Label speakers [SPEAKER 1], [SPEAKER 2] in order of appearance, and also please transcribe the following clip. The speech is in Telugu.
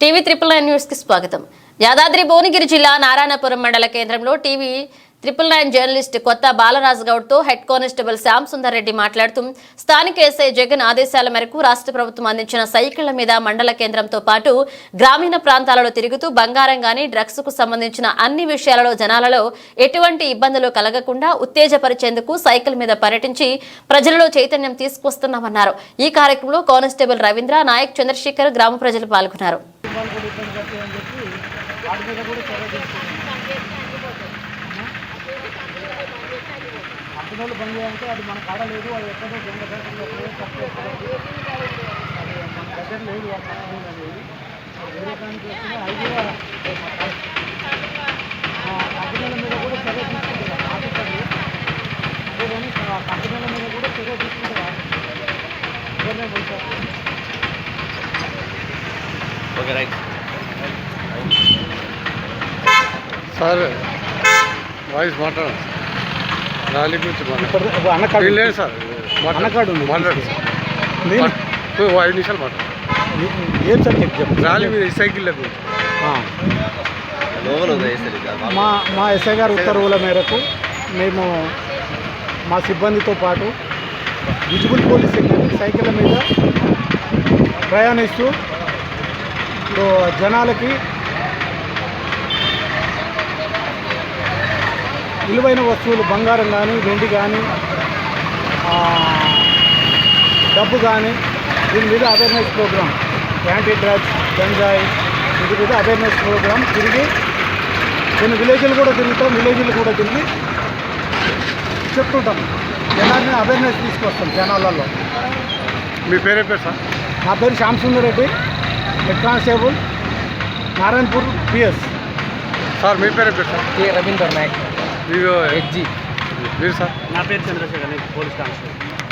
[SPEAKER 1] టీవీ 999 న్యూస్ కి స్వాగతం. యాదాద్రి భువనగిరి జిల్లా నారాయణపురం మండల కేంద్రంలో టీవీ 999 జర్నలిస్ట్ కొత్త బాలరాజు గౌడ్ తో హెడ్ కానిస్టేబుల్ శ్యామ్ సుందర్ రెడ్డి మాట్లాడుతూ స్థానిక ఎస్ఐ జగన్ ఆదేశాల మేరకు రాష్ట్ర ప్రభుత్వం అందించిన సైకిళ్ల మీద మండల కేంద్రంతో పాటు గ్రామీణ ప్రాంతాలలో తిరుగుతూ బంగారం గాని డ్రగ్స్ కు సంబంధించిన అన్ని విషయాలలో జనాలలో ఎటువంటి ఇబ్బందులు కలగకుండా ఉత్తేజపరిచేందుకు సైకిల్ మీద పర్యటించి ప్రజలలో చైతన్యం తీసుకొస్తున్నామన్నారు. ఈ కార్యక్రమంలో కానిస్టేబుల్ రవీంద్ర, నాయక్, చంద్రశేఖర్ గ్రామ ప్రజలు పాల్గొన్నారు.
[SPEAKER 2] కంపెనీలు బంద్ చేయాలంటే అది మన కాడ లేదు, అది ఎక్కడో దొంగ బ్యాంకుల్లో అది మన దగ్గర లేదు. ఆ కంపెనీలు అనేది వేరే దానికి వస్తే అవి కూడా కంపెనీల మీద కూడా చర్య తీసుకుంటారు ఆఫీసర్లు. అదే కానీ ఆ కంపెనీల మీద కూడా చర్య తీసుకుంటారు ఎవరినే పోతారు.
[SPEAKER 3] Okay, right
[SPEAKER 4] sir. వాయిస్ మాట్లాడండి. ర్యాలీ గురించి
[SPEAKER 2] అన్నకాడు
[SPEAKER 4] లేదు సార్.
[SPEAKER 2] అన్నకాడు ఉంది,
[SPEAKER 4] మాట్లాడు.
[SPEAKER 2] నేను
[SPEAKER 4] 5 నిమిషాలు మాట్లాడు.
[SPEAKER 2] ఏం సబ్జెక్ట్ చెప్పు.
[SPEAKER 4] ర్యాలీ మీద సైకిల్ గురించి
[SPEAKER 2] మా ఎస్ఐ గారి ఉత్తర్వుల మేరకు మేము మా సిబ్బందితో పాటు విజిబుల్ పోలీస్ సిబ్బంది సైకిళ్ళ మీద ప్రయాణిస్తూ జనాలకి విలువైన వస్తువులు బంగారం కానీ, వెండి కానీ, డబ్బు కానీ దీని మీద అవేర్నెస్ ప్రోగ్రామ్, యాంటీ డ్రగ్స్, గంజాయి వీటి మీద అవేర్నెస్ ప్రోగ్రామ్ తిరిగి కొన్ని విలేజ్లు కూడా తిరిగి చెప్తుంటాం. జనాన్ని అవేర్నెస్ తీసుకొస్తాం జనాలలో.
[SPEAKER 4] మీ పేరే పేరు సార్?
[SPEAKER 2] నా పేరు Shyam Sundar Reddy, head constable, Narayanpur PS.
[SPEAKER 4] Sir మీ పేరే పేరు సార్?
[SPEAKER 3] రవీందర్ నాయక్,
[SPEAKER 4] మీరు
[SPEAKER 3] HG.
[SPEAKER 4] మీరు సార్?
[SPEAKER 2] నా పేరు చంద్రశేఖర్, పోలీస్ కానిస్టేబుల్.